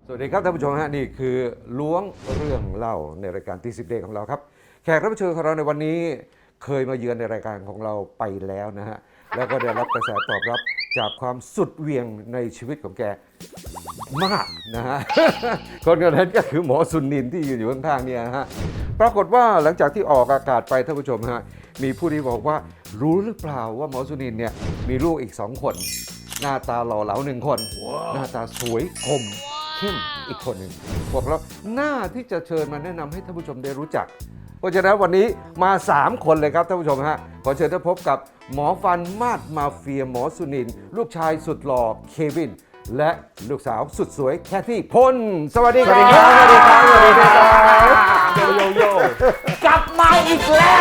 สวัสดีครับท่านผู้ชมฮะนี่คือล้วงเรื่องเล่าในรายการตีสิบเดย์ของเราครับแขกรับเชิญของเราในวันนี้เคยมาเยือนในรายการของเราไปแล้วนะฮะแล้วก็ได้รับกระแสตอบรับจากความสุดเหวี่ยงในชีวิตของแกมากนะฮะ คนคนนั้นก็คือหมอสุนินท์ที่ยืนอยู่ข้างๆเนี่ยฮะปรากฏว่าหลังจากที่ออกอากาศไปท่านผู้ชมฮะมีผู้ที่บอกว่ารู้หรือเปล่าว่าหมอสุนินท์เนี่ยมีลูกอีก2 คนหน้าตาหล่อเหลา1 คน หน้าตาสวยคมเข้มอีกคนหนึ่งบอกแล้วหน้าที่จะเชิญมาแนะนำให้ท่านผู้ชมได้รู้จัก เพราะฉะนั้นวันนี้มา3 คนเลยครับท่านผู้ชมฮะขอเชิญท่านพบกับหมอฟันมาดมาเฟียหมอสุนินท์ลูกชายสุดหล่อเควินและลูกสาวสุดสวยแคทที่พลสวัสดีครับสวัสดีครับสวัสดีครับโยโยโยกลับมาอีกแล้ว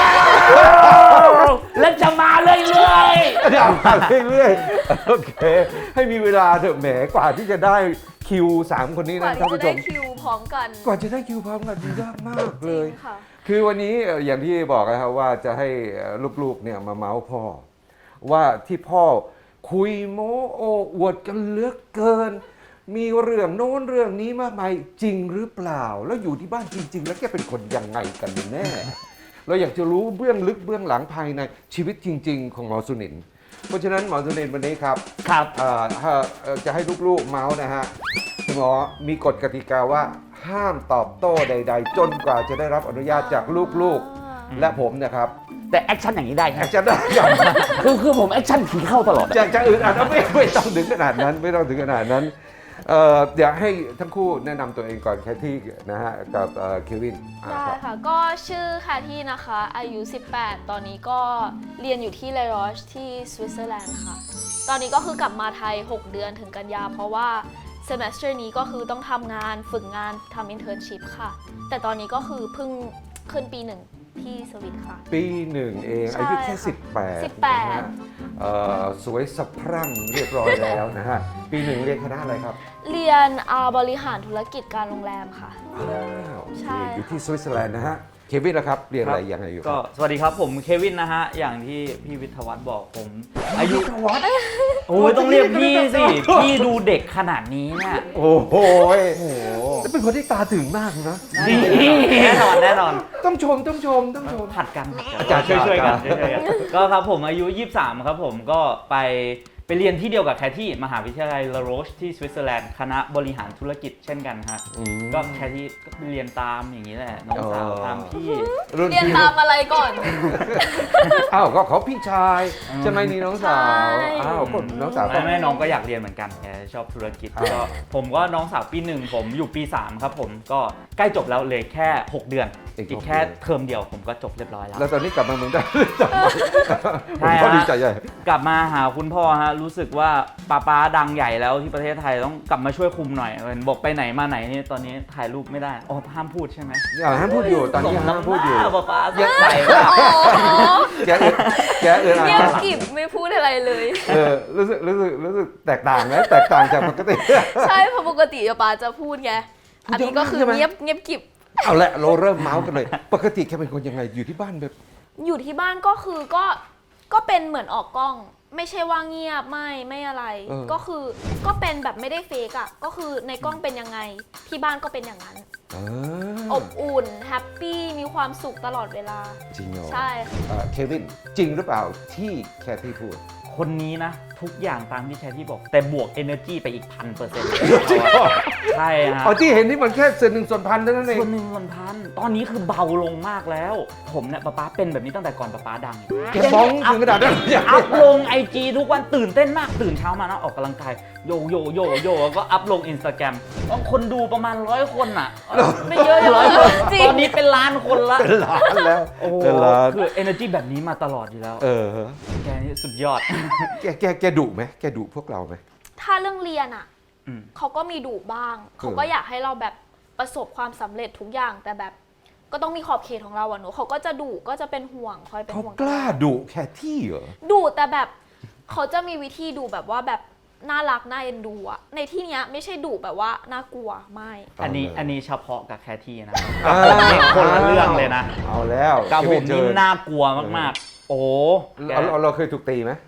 และจะมาเรื่อยเดี๋ยวมาเรื่อยๆโอเคให้มีเวลาเถอะแหมกว่าที่จะได้คิว3 คนนี้กว่านะท่านที่จะผู้ชได้มคิวพร้อมกันกว่าจะได้คิวพร้อมกันยากมากเลยจริงค่ะคือวันนี้อย่างที่บอกนะครับว่าจะให้ลูกๆเนี่ยมาเมาส์พ่อ ว่าที่พ่อคุยโม้โอ้อวดกันเหลือกเกิน มีเรื่องโน้นเรื่องนี้มากมายจริงหรือเปล่า แล้วอยู่ที่บ้านจริง ๆ แล้วแกเป็นคนยังไงกันแน่ เราอยากจะรู้เบื้องลึกเบื้องหลังภายในชีวิตจริง ๆ ของหมอสุนินท์เพราะฉะนั้นหมอสุนินท์วันนี้ครับๆ ครับถ้าจะให้ลูกๆเมาส์นะฮะคุณหมอมีกฎกติกาว่าห้ามตอบโต้ใด ๆ จนกว่าจะได้รับอนุญาตจากลูกๆ และผมนะครับแต่แอคชั่นอย่างนี้ได้คอรัยาบกจะได้อย่างคือผมแอคชั่นผีเข้าตลอดอยากจะอื่นอ่ะไม่ต้องถึงขนาดนั้นไม่ต้องถึงขนาดนั้นเดี๋ยวให้ทั้งคู่แนะนำตัวเองก่อนแคทที่นะฮะกับเควินได้ค่ะ ก็ชื่อคาที่นะคะ อายุ 18 ตอนนี้ก็เรียนอยู่ที่เลรอชที่สวิตเซอร์แลนด์ค่ะ ตอนนี้ก็คือกลับมาไทย 6 เดือนถึงกันยา เพราะว่าเซม e สเตอร์นี้ก็คือต้องทำงานฝึกงานทำอินเทอร์นชิพค่ะ แต่ตอนนี้ก็คือเพิ่งขึ้นปี 1 ที่สวิตค่ะปี 1 เองใช่อายุแค่ค่ะ 18นะฮะสวยสะพรั่งเรียบร้อยแล้วนะฮะปี 1 เรียนคณะอะไรครับเรียนบริหารธุรกิจการโรงแรมค่ะอ้าวใช่อยู่ที่สวิตเซอร์แลนด์นะฮะเควินล่ะครับเรียนอะไรยังไงอยู่ก็สวัสดีครับผมเควินนะฮะ อย่างที่พี่วิทยาวัฒน์บอกผมอายุวัดโอ้ยต้องเรียกพี่สิ พี่ดูเด็กขนาดนี้เนี่ยโอ้โหโอ้โหแล้วเป็นคนที่ตาถึงมากนะดีแน่นอนแน่นอนต้องชมผัดกันอาจารย์ช่วยๆกันอาจารย์ช่วยๆกันก็ครับผมอายุ 23 ครับผมก็ไปเรียนที่เดียวกับแคทที่มหาวิทยาลัยลาโรชที่สวิตเซอร์แลนด์คณะบริหารธุรกิจเช่นกันฮะอืมก็แคทที่ก็เรียนตามอย่างนี้แหละน้องสาวตามพี่รุ่นเรียนพี่ตามอะไรก่อนอ้าวก็เขาพี่ชายใช่ไหมนี่น้องสาวใช่อ้าวก็น้องสาวก็ไม่น้องก็อยากเรียนเหมือนกันแกชอบธุรกิจก็ผมก็น้องสาวปี 1ผมอยู่ปี 3 ครับผมก็ใกล้จบแล้วเลยแค่ 6 เดือน อีกแค่เทอมเดียวผมก็จบเรียบร้อยแล้วแล้วตอนนี้กลับมาเมืองไทยจับใช่ฮะเขาดีใจใหญ่กลับมาหาคุณพ่อฮะรู้สึกว่าป้าดังใหญ่แล้วที่ประเทศไทยต้องกลับมาช่วยคุมหน่อยเห็นบอกไปไหนมาไหนนี่ตอนนี้ถ่ายรูปไม่ได้อ๋อห้ามพูดใช่ไหมอย่าห้ามพูดอยู่ตอนนี้ห้ามพูดอยู่ป้าใส่ว่าอ๋อแกเออเงียบกริบไม่พูดอะไรเลยรู้สึกแตกต่างไหมแตกต่างจากปกติใช่เพราะปกติป๊าจะพูดไง อันนี้ก็คือใช่ไหมเงียบกริบเอาละเราเริ่มเมาส์กันเลย ปกติแกเป็นคนยังไงอยู่ที่บ้านแบบอยู่ที่บ้านก็คือก็เป็นเหมือนออกกล้อง ไม่ใช่ว่าเงียบไม่อะไร ก็คือก็เป็นแบบไม่ได้เฟกอะก็คือในกล้องเป็นยังไง ที่บ้านก็เป็นอย่างนั้น อบอุ่นแฮปปี้มีความสุขตลอดเวลาจริงเหรอใช่ค่ะเควินจริงหรือเปล่าที่แคที่พูดคนนี้นะ ทุกอย่างตามที่แคทที่บอก แต่บวก energy ไปอีก 1,000% ใช่ฮะอ๋อที่เห็นนี่มันแค่ส่วนหนึ่งส่วนพันเท่านั้นเองส่วนหนึ่งส่วนพันตอนนี้คือเบาลงมากแล้ว ผมเนี่ยป๊าเป็นแบบนี้ตั้งแต่ก่อนป๊าดังแกบ้องถึงขนาดนั้นอย่างอัพลง IG ทุกวันตื่นเต้นมากตื่นเช้ามานะออกกำลังกายโยแล้วก็อัพลง Instagram ต้องคนดูประมาณ100 คนอ่ะไม่เยอะอย่างร้อยนั้นคนจริงตอนนี้เป็นล้านคนละเป็นล้านแล้วโอ้โหเป็นล้านคือ energy แบบนี้มาตลอดอยู่แล้ว แกนี่สุดยอดแกดุไหมแกดุพวกเราไหมถ้าเรื่องเรียนอะอืมเขาก็มีดุบ้าง เขาก็อยากให้เราแบบประสบความสำเร็จทุกอย่าง แต่แบบก็ต้องมีขอบเขตของเราอะหนูเขาก็จะดุก็จะเป็นห่วงคอยเป็นเขาห่วงกล้าดุแค่ที่เหรอดุแต่แบบเขาจะมีวิธีดุแบบว่าแบบน่ารักน่าเอ็นดูอะในที่เนี้ยไม่ใช่ดุแบบว่าน่ากลัวไม่อันนี้เฉพาะกับแคที่นะอ่ากับผมนี่คนละเรื่องเลยนะเอาแล้วกับผมเจนี่อน่ากลัวมากๆ โอ้แกเราเคยถูกตีไหม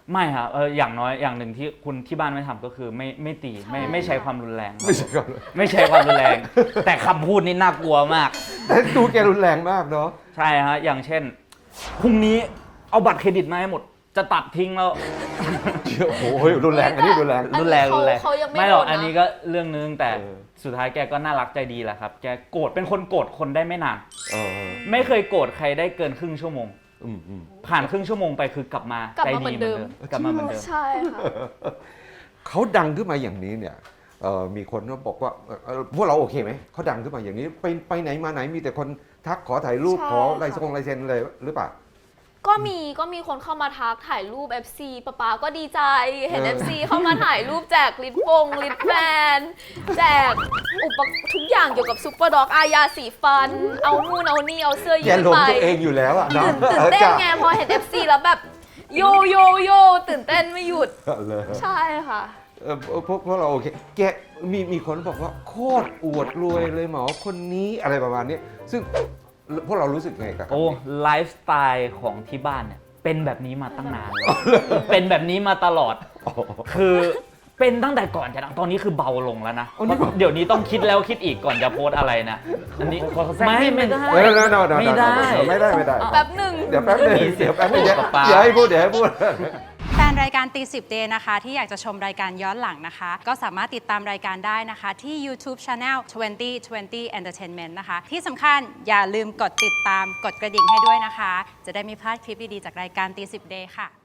ไม่ครับอย่างน้อยอย่างหนึ่งที่คุณที่บ้านไม่ทำก็คือไม่ตีไม่ใช้ความรุนแรงไม่ใช่ครับไม่ใช้ความรุนแรง แต่คำพูดนี่น่ากลัวมากแต่ดูแกรุนแรงมากเนาะใช่ฮะอย่างเช่นพรุ่งนี้เอาบัตรเครดิตมาให้หมดจะตัดทิ้งแล้วโอ้โหรุนแรงอันนี้รุนแรงอันนี้รุนแรงเขายังไม่ไม่หรอกโดนนะอันนี้ก็เรื่องนึงแต่เออสุดท้ายแกก็น่ารักใจดีแหละครับแกโกรธเป็นคนโกรธคนได้ไม่นานเออไม่เคยโกรธใครได้เกินครึ่งชั่วโมงอืมผ่านครึ่งชั่วโมงไปคือกลับมากลับใจมาเหมืดีอนเหมือนเดิเดิมมกลับมาเหมือนเดิมใช่ค่ะเขาดังขึ้นมาอย่างนี้เนี่ยมีคนก็บอกว่าพวกเราโอเคไหมเขาดังขึ้นมาอย่างนี้ไปไหนมาไหนมีแต่คนทักขอถ่ายรูปใช่ขอลายค่ะลายเซ็นเลยหรือเปล่าก็มีคนเข้ามาทักถ่ายรูป FC ป๊าก็ดีใจเห็น FC เข้ามาถ่ายรูปแจกลิปแบนแจกทุกอย่างเกี่ยวกับซุปเปอร์ด็อกอายาสีฟัน เอานู่นเอานี่เอาเสื้อแกยืดลงไปตัวเองอยู่แล้วอะเนาะตื่นเต้นไงพอเห็น FC แล้วแบบโยตื่นเต้นไม่หยุดเลยใช่ค่ะพวกเราโอเคแกมีคนบอกว่าโคตรอวดรวยเลยหมอคนนี้อะไรประมาณนี้ซึ่งพวกเรารู้สึกไงกับโอ้ไลฟ์สไตล์ของที่บ้านเนี่ยเป็นแบบนี้มาตั้งนานแล้วเป็นแบบนี้มาตลอด คือเป็นตั้งแต่ก่อนจะดังตอนนี้คือเบาลงแล้วนะเพราะเดี๋ยวนี้ต้องคิดแล้วคิดอีกก่อนจะโพสต์อะไรนะอันนี้ไม่ได้ไม่ได้ไม่ได้ไม่ได้แป๊บหนึ่งเดี๋ยวแป๊บนึงมีเสียงแป๊บนึงพูดกับป๊าอย่าให้พูดเดี๋ยวให้พูดแฟนรายการตีสิบเดย์นะคะที่อยากจะชมรายการย้อนหลังนะคะ ก็สามารถติดตามรายการได้นะคะที่ YouTube Channel 2020 Entertainment นะคะ ที่สำคัญอย่าลืมกดติดตามกดกระดิ่งให้ด้วยนะคะ จะได้ไม่พลาดคลิปดี ๆ จากรายการตีสิบเดย์ค่ะ